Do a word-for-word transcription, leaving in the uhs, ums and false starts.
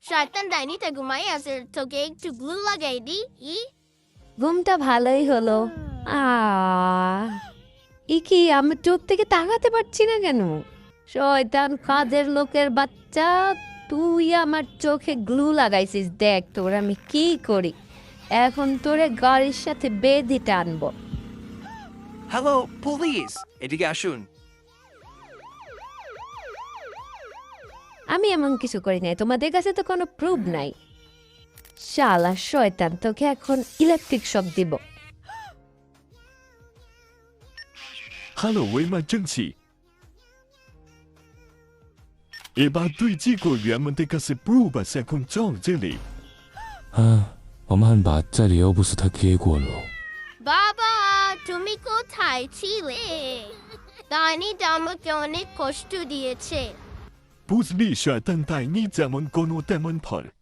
শয়তান ডাইনিটা ঘুমাই আছে, তোকে একটু গ্লু লাগাই দি। ই ঘুমটা ভালোই হলো। আ ই কি, আমি চোখ থেকে তাকাতে পারছি না কেন? শয়তান কাজের লোকের বাচ্চা, তুই আমার চোখে গ্লু লাগাইছিস। দেখ তোর আমি কি করি। এখন তোরে গাড়ির সাথে বেঁধে টানবো। হ্যালো পুলিশ, এদিকে আসুন। আমি এমন কিছু করি নাই, তোমাদের কাছে তো কোনো প্রুফ নাই। শালা শয়তান, তোকে এখন ইলেকট্রিক শক দিব। হ্যালো এমার্জেন্সি, এবার তুই কি করবি? আমাদের কাছে প্রুফ আছে, এখন চল জেলে। 啊，我们把这里又不是他给过了。 বাবা, তুমি কোথায় ছিলে? ডাইনিটা আমাকে অনেক কষ্ট দিয়েছে। বুঝলি শয়তান ডাইনি যেমন কোনো তেমন ফল।